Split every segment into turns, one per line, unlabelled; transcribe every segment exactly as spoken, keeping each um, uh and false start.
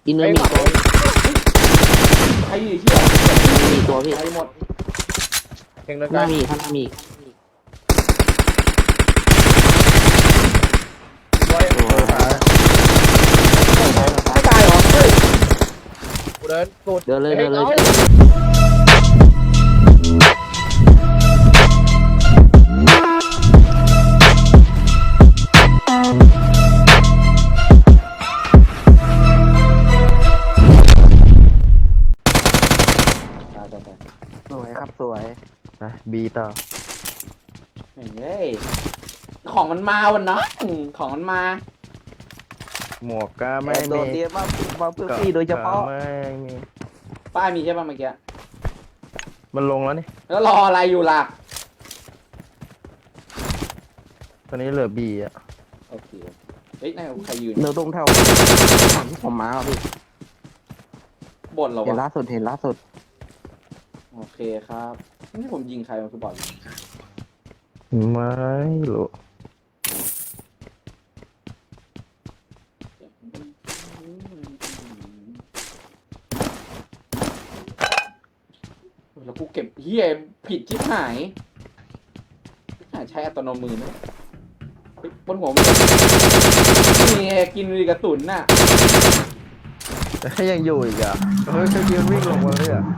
อินเนอร์มีตัว
ใครอยู่เชี่ย
มีตัวพี่
ใครหมด
เพ่งเดิน
ห
ใกล้
น้ามีข้างหน้ามี
ไว้เออขา
ไม่ตายเหรอเฮ้ย
กูเดินสุด
เดินเลยเดินเลย
ตายตายตาย
สวยครับสวย
นะบีต่อ
เฮ้ยของมันมาวันนะของมันมา
หมวกก็ไม่
แต่โด
มี
ดเดียวมามาเพื่อพี่โดยเฉพาะ
ก็ไม่มี
ป้ายมีใช่ป่ะเมื่อกี้
มันลงแล้วนี่
แล้วรออะไรอยู่ล่ะ
ตอนนี้เหลือบีอ่ะ
โอเคเฮ้ยนั่นใครยืน
เนื้อตรงแถวฝั่งที่ผมมาอ่ะพี่
บนเหรอ
เห็น
วะ
ล่าสุดเห็นล่าสุด
โอเคครับนี่ผมยิงใครมันคือบอล
ไม่รู้
แล้วกูเก็บเฮียผิดชิบหายหายใช้อัตโนมือนะเฮ้ยบนหัวมึงนี่กินกระสุนน่ะ
แต่ยังอยู่อีกอ่ะเฮ้ยเขายืนวิ่งลงมาเลยอ่ะ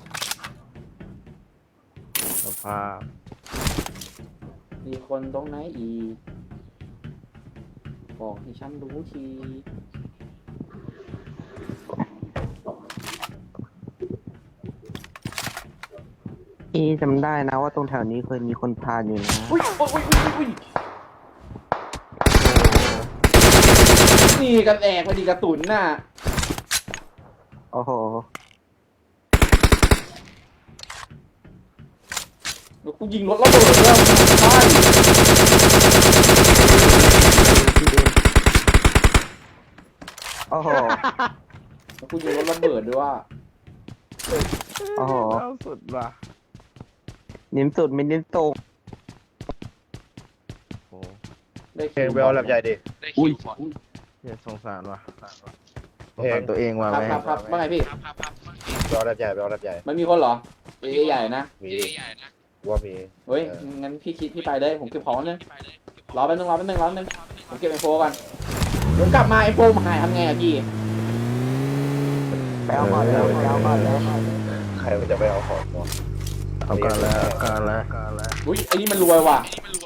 สภาพ
มีคนตรงไหนอีกบอกให้ฉันรู้ที
พี่จำได้นะว่าตรงแถวนี้เคยมีคนพาอยู่นะ
อุ้ยอุ้ยอุ้ยอุ้ยนี่กันแอกพอดีกระสุนน่ะ
โอ้โห
แล้วกูยิงรถระเบิดแล้วใช่
โอ้โห
แล้วกูยิงรถระเบิดด้วยว่า
โอ้โห
เล่าสุดว่ะ
เน้นสุดไม่เน้นตรง
โอ้
ได้
เพลงเบลแบบใหญ่ดิ
อุ้ย
เหี้ยสงสารว่ะสง
เพลง
สารตัวเองว่ะ
ครับ
แม่
ครับครับว่าไงพี่
เบลแบบใหญ่เบลแบบใหญ่
มันมีคนเหรอเอ้ยใหญ่นะ
มีว่ามี
เฮ้ยงั้นพี่คิดพี่ไปเลยผมเก็บของนึงรอแป๊บนึงรอแป๊บนึงรอแป๊บนึงผมเก็บไอโฟก่อนเดี๋ยวกลับมาไอโฟมาหายทำไงอะพี่
ไปเอาก่อนแล้วไปเอาก่อนแล้ว
ใครมันจะไปเอาของวะ
เอาการแล้วเอาการแล้วเอาการแล้ว
อุ้ยไอ้นี่มันรวยว่ะ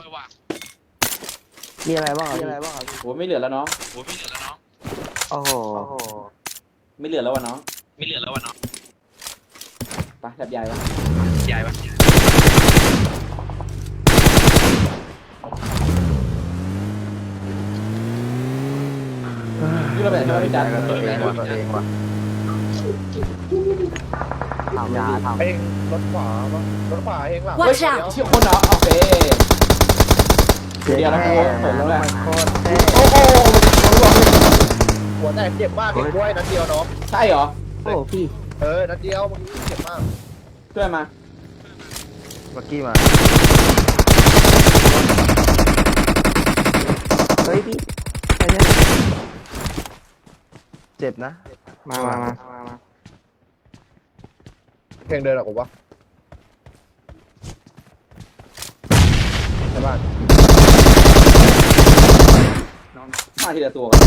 มีอะไรบ้างอ่ะมีอะไรบ้างอ่ะ
โหไม่เหลือแล้วเนาะ
โอ้โห
ไม่เหลือแล้ววะเนาะไม่เหลือแล้ววะเนาะไปแบบใหญ่ปะใหญ่ปะนี่เราแบบใช่ไหมพี่จัน
ตัวเองว่ะตัวเองว่ะ
ทำยาทำ
เพลงรถขวาปะรถขวาเองหลัง
เฮ้ย
Watch out
เชี่ยคนเหรอโอเคเดี๋ยวเราโผล่เปิดแล้วแหละ
โคตรเท่
โอ้โห
หัวแตกเจ็บมากเองด้วยนัดเดียวเนาะ
ใช่เหรอ
โอ้พี่
เออนัดเดียวมันเจ็บมาก
ช่วยมา
เมื่อกี้มา
เฮ้ยพี่ไปเนี่ย
เจ็บนะ
มามามา
เพลงเดินหรอผมวะใช่ป่ะ
มาทีละตัวกัน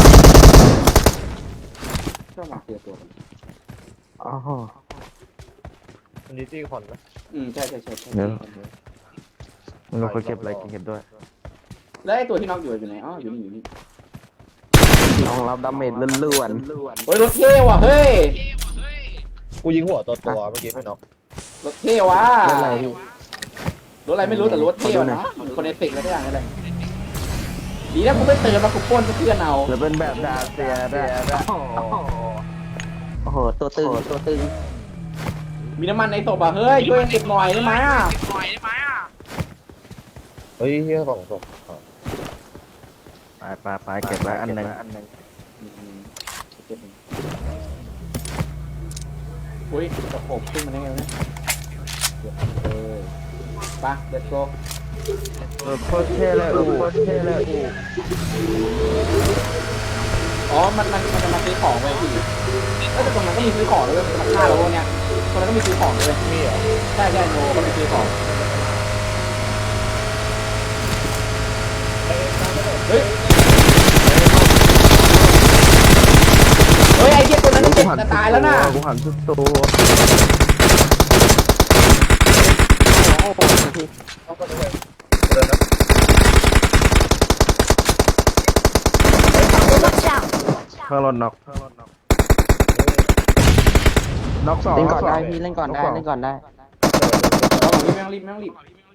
ชอบมาทีละตัวกัน
โอ้โห
มันดีจี้คอนนะ
อืมใช่ใช่ใช่ใช่
เดี๋ยวมันเราควรเก็บอะไรเก็บด้วย
แล้วไอ้ตัวที่น็อกอยู่อยู่ไหนอ๋ออยู่นี่อยู่นี่
น้องรับดาเมจล้วน
เฮ้ยรถเท่ว่ะเฮ้ย
กูยิงหัวตัวตัวเมื่อกี้ไม่น็อก
รถเท่ว่ะ
ๆเล่นอะไรพี่
รถอะไรไม่รู้แต่รถเท่ว่ะเนาะคนในตึกแล้วก็อย่างนั้นเลยดีนะกูไม่เตือนมากูปล้นเพื่อนเอา
แล้วเป็นแบบดาเซียด้วย
โอ้โห ตัวตึง ตัวตึง
มีน้ำมันในศพอ่ะเฮ้ยช่วยเก็บหน่อยได้ไหมอ่ะ
เฮ้ยเฮียสองศพ
ไปไปไปเก็บไว้อันหนึ่ง
อืมเก็บหนึ่งอุ้ยตะโขบขึ้นมาได้ไงวะเนี่ยเออไป let's go
เออโคตรเท่เลยอูโคตรเท่เลยอู
อ๋อมันมันมันจะมาซื้อของไปพี่ก็แต่ตรงนั้นก็มีซื้อของด้วยราคาแล้วพวกเนี้ยตรงนั้นก็มีซื้อของด้วย
มีเหรอ
ใช่ใช่โนก็มีซื้อของเฮ้ยเฮ้ยไอ้เหี้ยตัวนั้นเจ็บจะตายแล้วน่ะ
กูหันสุดตัว
โอ้โหพี่
เอาไปเลยเดินนะ
Watch out!
ข้างรถน็อกน็อกสอง
เล่นก่อนได้พี่เล่นก่อนได้เล่นก่อนได้
เราบอกพี่แม่งรีบแม่งรีบ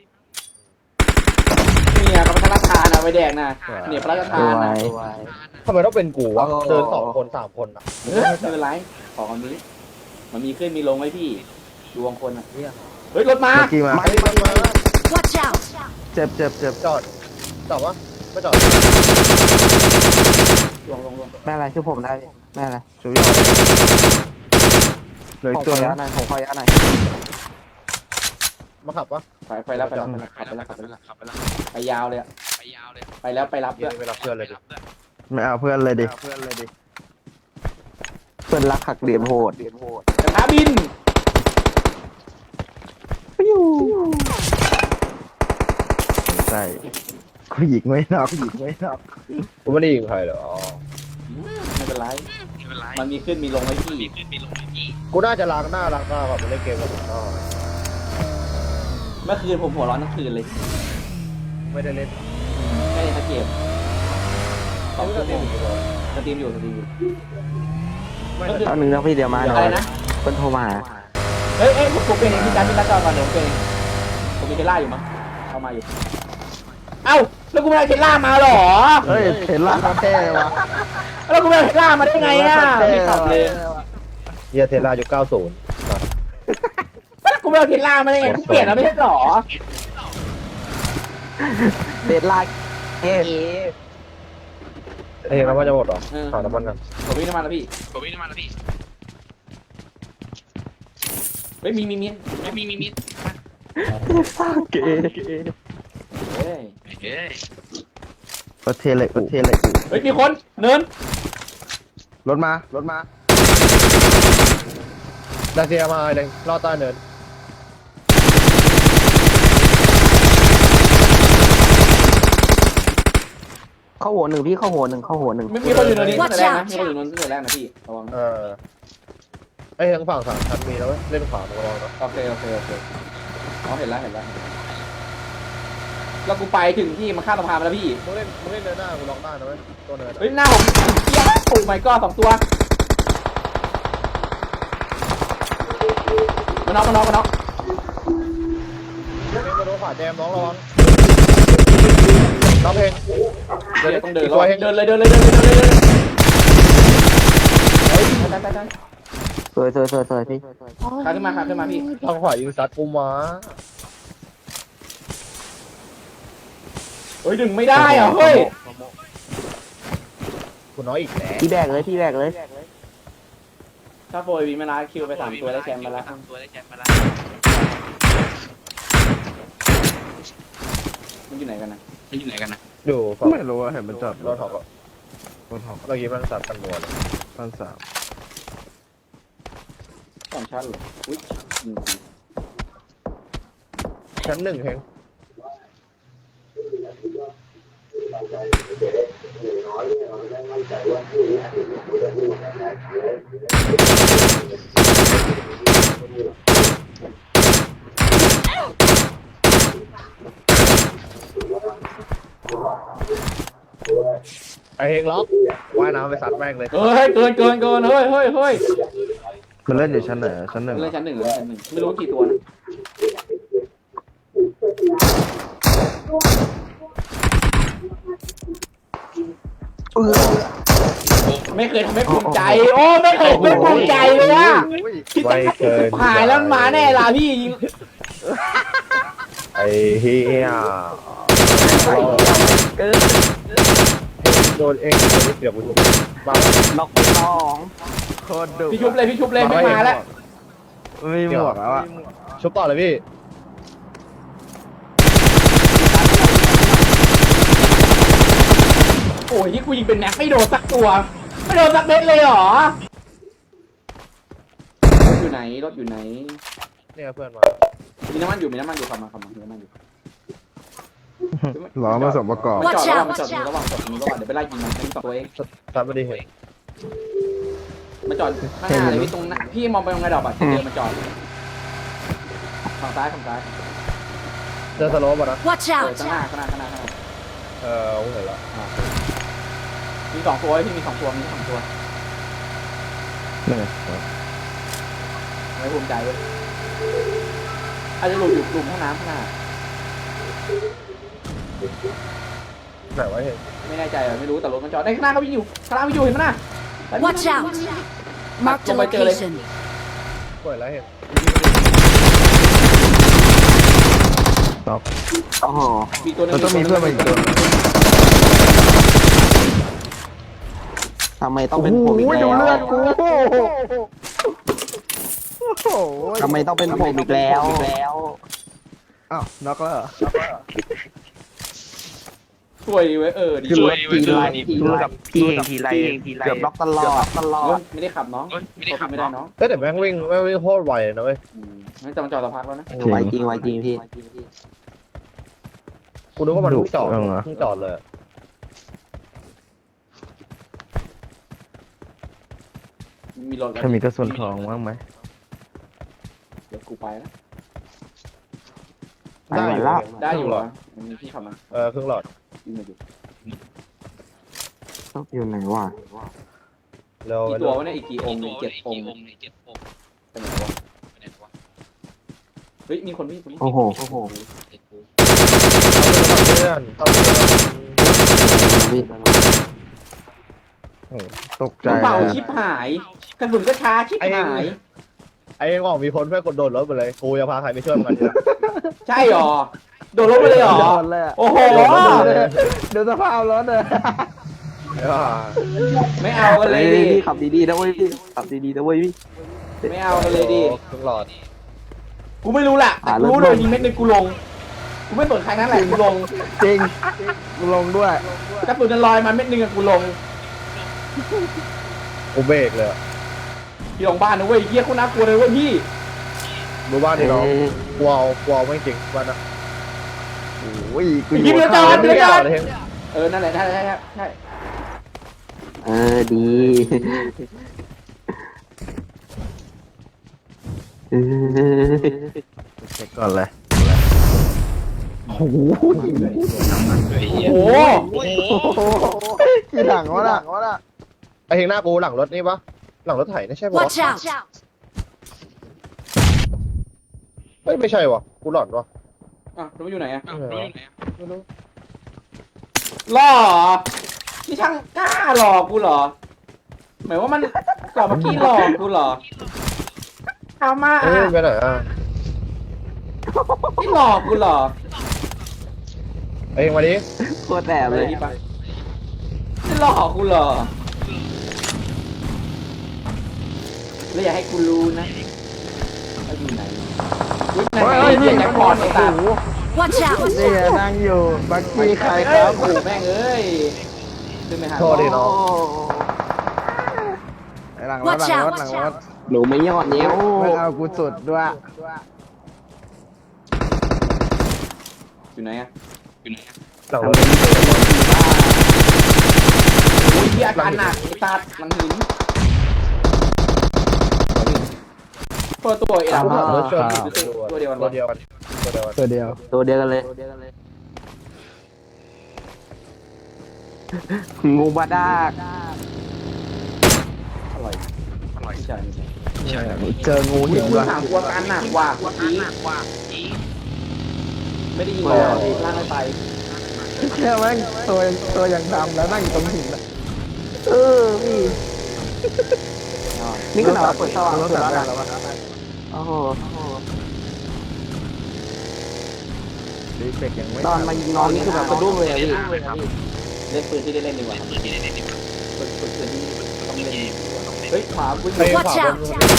เนี่ยกับพระราชทานอะไปแดกนะเนี่ยพระราชทา
ส
น
ว
นะ
ย
ทำไมต้องเป็นกูวะเดินสองคนสามคนอ่ะ
เออไม่เป็นไรของอันนี้ มันมีขึ้นมีลงไว้พี่ดวงคนอะเฮ้ยรถมา
เมื่อกี้มา
มามามา
Watch out!
เจ็บเจ็บเจ็บ
จอดจอดวะไม่จอด
ลงลงลง
แม่อะไรช่วยผมได้พี่แม่อะไร
ช่วยเหลือ
ผ
อี
ม
ก
ข
ตัว
อ
นึ
ยาง หน่อยผมขอยาหน่อย
มาขับปะ
ไปไปแล้วไปแล้วขับไปแล้วขับไปแล้วขับไปแล้วไปยาวเลยอะไปยาวเลยไปแล้วไปรับ
เดี๋
ด้วย
วยไปรับเพื่อนเลยดิ
ไม่เอาเพื่อนเลยดิเพื่อนเลยดิ
เพื่อนรักหักเหลี่ยมโหด
กระทะบิน
ใช่กูหยิกไม่น็อกหยิกไม่น็อก
กูไม่ได้ยิงใครเหรอ
ไม่เป็นไรมันมีขึ้นมีลงไว้พี่
กูน่าจะล้างหน้าล้างตาก่อนไปเล่นเกมกับผมต่อ
เมื่อคืนผมหัวร้อนทั้งคืนเลย
ไม่ได้เล่น
ไม่ได้ทักเกมสอง
ไม่
ชั่
ได้
วโม
เล่น
ง
อยู่เลย
สตรีมอยู่สตรีมอยู่
ไม่
ก็คือ
เอาหนึ่งนะพี่เดี๋ยวมาหน่
อะไร
อย
นะ
เพื่อนโทรมา
เฮ้ยเอ้ยผมผมเป็นเองพี่จันพี่จันจอก่อนเดี๋ยวผมเป็นเองผมมีเทล่าอยู่มั้งเข้ามาอยู่เอ้าแล้วกูไม่ได้เทล่ามาหรอ
เฮ้ยเห็นล่างเท่วะ
แล้วกูไม่ได้เทล่ามาได้ไงอ่ะไม่ขับเลย
เฮียเทสลายุคเก้าสิบ
แล้วกูไม่ได้เทล่ามาได้ไงกูเปลี่ยนแล้วไม่ใช่หรอ
เดดไลน์เอ
ไอ้เห็นน้ำมันจะหมดเหรอหาน้ำมันกัน
ผมวิ่งน้ำมันแล้วพี่ผมวิ่งน้ำมันแล้วพี่เฮ้ยมีมีมีมีมีมี
เก๋
เฮ้ย
ประเทศอะไรประเทศอะไรกู
เฮ้ยมีคนเนิน
รถมารถมา
ดาเซียมาไอ้เด้งรอดใต้เนิน
เข้าหัวหนึ่งพี่เข้าหัวหนึ่งเข้าหัวหนึ่ง
มีมีคนอยู่เนินนี้ตั้งแต่แรกนะมีคนอยู่เนินตั้งแต่แรกนะพี่ระวัง
เออไอ้ทั้งฝั่งสามชั้นมีแล้วเว้ยเล่นขวาตรงระวังนะ
โอเคโอเคโอเคอ๋อเห็นแล้วเห็นแล้วแล้วกูไปถึงที่มันข้ามสะพานไปแล้วพี่
มึงเล่นมึงเล่นเดินหน้ากูล็อกได้นะเว้ยตัวเนิน
เฮ้ยหน้าผมเปี้ยโอ้ my god สองตัวมาน็อกมาน็อกมาน็อก
เล่นกระโดดขวาแจมน้องระวังน้องเพลง
เดินต้องเดิน
อีก
แล้ว
ตัวเอง
เดินเลยเดินเลยเดินเลยเดินเลยเดินเลยเฮ้ยตายตายตาย
สวยสวยสวยสวยพี่
ขาขึ้นมาขาขึ้นมาพี่
ทางขวายิงซัดกูมา
เฮ้ยดึงไม่ได้อ่ะเฮ้ย
กูน้อยอีกแล้ว
พี่แบกเลยพี่แบกเลย
ถ้าโฟยวีมาลาคิวไปสามตัวได้แชมป์มาแล้วมันอยู่ไหนกันนะมันอยู่ไหนกันนะ
อยู่ฝั่ง
ไม่รู้ว่าเห็นมันจอด
รถท็อปอะ
รถหอบ
เมื่อกี้มันสัตว์กันมัวเลย
พันสาม
สองชั้นเหรออุ้ยยิงที
ชั้นหนึ่งเพลง ไอเฮงล็อกว่ายน้ำไปซัดแม่งเลย
เฮ้ยเกินเกินเกินเฮ้ยเฮ้ยเฮ้ย
มันเล่นอยู่ชั้นไหนชั้นหนึ่ง
เล่นชั้นหนึ่งหรือชั้นหนึ่งไม่รู้กี่ตัวนะไม่เคยทำให้ภูมิใจโอ้ไม่เคยไม่ภูมิใจเลยอะ
ไม่เกิน
หายแล้วมันมาแน่ล่ะพี่ยิง
ไอเฮีย
เกิน
โดนเองโดนเสียบกูมา
ล็อกไปสอง
โคตรดุ
พี่ชุบเลยพี่ชุบเลยไม่มาแล้ว
ไม่มีหมวกแล้วอ่ะ
ชุบต่อเลยพี่
โอ้ยที่กูยิงเป็นแม็กไม่โดนสักตัวไม่โดนสักเม็ดเลยเหรอรถอยู่ไหนรถอยู่ไหน
เนี่ยเพื่อนมา
มีน้ำมันอยู่มีน้ำมันอยู่ขับมาขับมามีน้ำมันอยู่
ล้อมาสมประกอบ
มันจอดระหว่างมันจอดระหว่างจอดระหว่างเดี๋ยวไปไล่ยิงมันเป็นสองตัวเอง
ตามมาดีเห็น
มันจอดข้างหน้าเลยพี่ตรงหน้าพี่มองไปตรงไงดอกอะเจอมันจอดฝั่งซ้ายฝั่งซ้าย
เจอสโลปอ่ะนะ
Watch
เออ
out!
ข้างหน้าข้างหน้าข้างหน้าข้างหน้า
เออผมเห็นแล้ว
มีสองตัวพี่มีสองตัวมีสองตัว
นี่ไง
ไม่ภูมิใจเลยอาจจะหลุดอยู่หลุมห้องน้ำข้างหน้า
ไหนวะเห็น
ไม่แน่ใจอะไม่รู้แต่รถมันจอดในข้างหน้าเขาวิ่งอยู่ข้างหน้าวิ่งอยู่เห็นไหมน่ะ
Watch out! Marked a location.
เปิดแล้วเห็น
ต็อป
โอ้โห
มีตัวหนึง
เราต้องมีเพื่อนมาอีกตัว
ทำไมต้องเป็นผมอีก
โอ้ย
แล้
ดู
ว
เลือดกูโอ้โห
ทำไมต้องเป็นผมอีกแล้วแล้ว
อ้าวน็อกแล้วเหรอ
สวยเว้ยเออดี
คือ
ส
ร
วย
ถทีไรทีไรพี่เองทีไรเกือบล็อกตลอดตลอ
เอ้
ด
ยไม่ได้ขับน้องไม่ได้ขับไม่ได้น้อง
เอ้ยแต่แม่งวิ่งแม่งวิ่งโคตรไวเลยนะเว้ย
อืมไม่จะมาจอดสักพักแล้วนะ
ไวจริงไวจริงพี่
กูนึกว่ามันเพิ่งจอดเพิ่งจอดเลย
มีรถแล้ว
ถ้ามีกระสุนทองบ้างไหม
เดี๋ยวกูไปแล้ว
ไปไหนแล้ว
ได้อยู่เหรอมีพี่ขับมา
เออครึ่งหลอด
ยิงมาอยู่
อยู่ไหนวะ
เร็ว
กี่ตัววะเนี่ยอีกกี่องค์เนี่ยเจ็ดองค์ไปไหนวะเฮ้ยมีคนวิ่งคนวิ่ง
โอ้โหโอ้โห
เพื่อนเอาเพื่อน
พี่
ตกใจ
เบา
เลย
ชิบหายกระสุนก็ช้าชิบหาย
ไอ้ยังบอกมีคนเพื่อนกดโดดรถไปเลยกูจะพาใครไปช่วยมันดี
ใช่หรอโดนลบไปเลยหรอ
โดนเลยอะ
โอ้โห
เดี๋ยวสภาพรถเลย
ไม่เอากันเลยดิ
พี่ขับดีๆนะเว้ยพี่ขับดีๆนะเว้ยพี่
ไม่เอากันเลยดิ
ครึ่งหลอด
กูไม่รู้แหละแต่กูรู้เลยยิงเม็ดหนึงกูลงกูไม่สนใครนั่นแหละกูลง
จริงกูลงด้วย
กระสุนจะลอยมาเม็ดหนึงอะกูลง
กูเบรกเลย
พี่ลงบ้านนะเว้ยเฮียคุณน่ากลัวเลยเว้ยพี่
รู้บ้านที่น้องกลัวกลัวไม่จริงบ้านนะ
โอ้ยกู
ยิง
อ
เรื
ยู่
อจอดเรือจอด
เลย
เออนั่นแหละนั่นแหละใช่ใช่
เออดีเออ
เช็คก่อนเลย
โอ้โห
โอ้โห
กี่หลังวะน่ะ
ไอ้เฮงหน้ากูหลังรถนี่ปะหลังรถไถไม่ใช่ปะ
Watch out!
เฮ้ยไม่ใช่วะกูหลอนวะ
อ่ะรู้อยู่ไหนอะ
ไม่รู้
หล่อที่ช่างกล้าหลอกกูเหรอหมายว่ามันก่อนเมื่อกี้หลอกกูเหรอเอามา
เฮ้ย
อ่ะ
ไปไหนอ่ะ
ที่หลอกกูเหรอ
ไอ้เฮงมาดิ
โคตรแอบ
ไป
เลย
ที่ไปที่หลอกกูเหรอแล้วอย่าให้กูรู้นะว่าอยู่ไหนวิ่งไหนไหนเรียกแจ็คพอตไอ้ตา
Watch out!
นี่ไงนั่งอยู่บักกี้ใครค
เอ้ย
รับ
โอ้โหแม่งเอ้ยขึ้นไปหา
โทษดิน้อง
หลังรถหลังรถหลังรถ
หนูไม่ยอดเนี้ย
ไม่เอากูสุดด้วย
อยู่ไหนอะ
หลังรถ
โอ้ยที่อาการหนักไอ้ตาหลังหินเปิดตัวเอ็ด
หลังรถชน
ตัวเดียวกัน
ตัว
วะ
เดียวกันตัวเดียวกัน
ตัวเดียว
ตัวเดียวกันเลยงูบาดาก
อร่อยอร่อยใช่ไม่ใช่
เจองู
อุ้ย
หิน
คุณ
ว่ะ
ถามกลัวการหนักกว่าเมื่อกี้ไม่ได้ยินเลยล่างไม่ไป
แค่แม่งตัวตัวอย่างดำแล้วนั่งอยู่ตรงหินอะ
เออพี่นี่ก็หนาเปิดสว่าง
รถ
สุด
ตัด
แล้ว
ได้
นะ
แล้ววะ
โอ้โห
ดีเฟกยังไม่
ตอนมายิงน้องนี่คือแบบสะดุ้งเลยอะพี่
เล่นปืนที่ได้เล่นดีกว่าปืนปืนปืนที่ต้องเล่นเฮ้ยขวาวิ่ง
ไอ้ข
Watch
วา
out!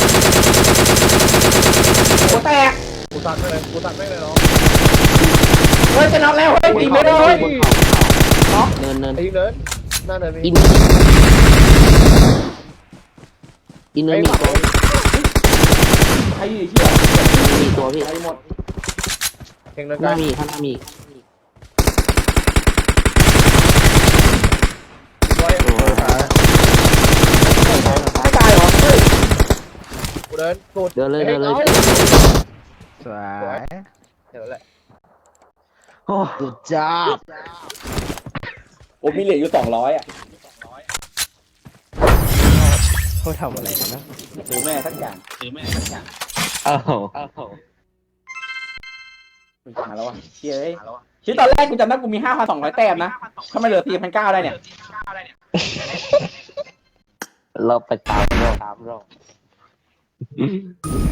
หัวแตก
กูตัดไม่เลยกูตัดไม่เลยน้อง
เฮ้ยจะน็อกแล้วเฮ้ยตีไม่ได้เฮ้ย
เนินเนิน
ไอ้เนินหน้าเนินมี
อินอินเนอร์มีตัว
ใครอยู่เชี่ย
มีตัวพี่
ใครหมด
เพ่งเดิน
ห
กั
น้าน มีข้างหน้ามี
บอย
ตัวท้าย
ไม่ตายเหรอเฮ้ย
กูเดินสุด
เดินเลยเดินเลย
สวย
เดี๋ยวแหละ
โอ้สุดจ้าบ
โอ้มีเหลืออยู่สองร้อยอ่ะ
เขาทำอะไรกันนะ
ซื้อแม่สักอย่างซื้อแม่สักอย่าง
อ้าว
มึงหาแล้ววะเชี่ยเอ้ยที่ตอนแรกกูจำได้กูมีห้าพันสองร้อยแต้มนะทำไมเหลือสี่พันเก้าได้เนี่ย
เราไปตามรอบตามรอบ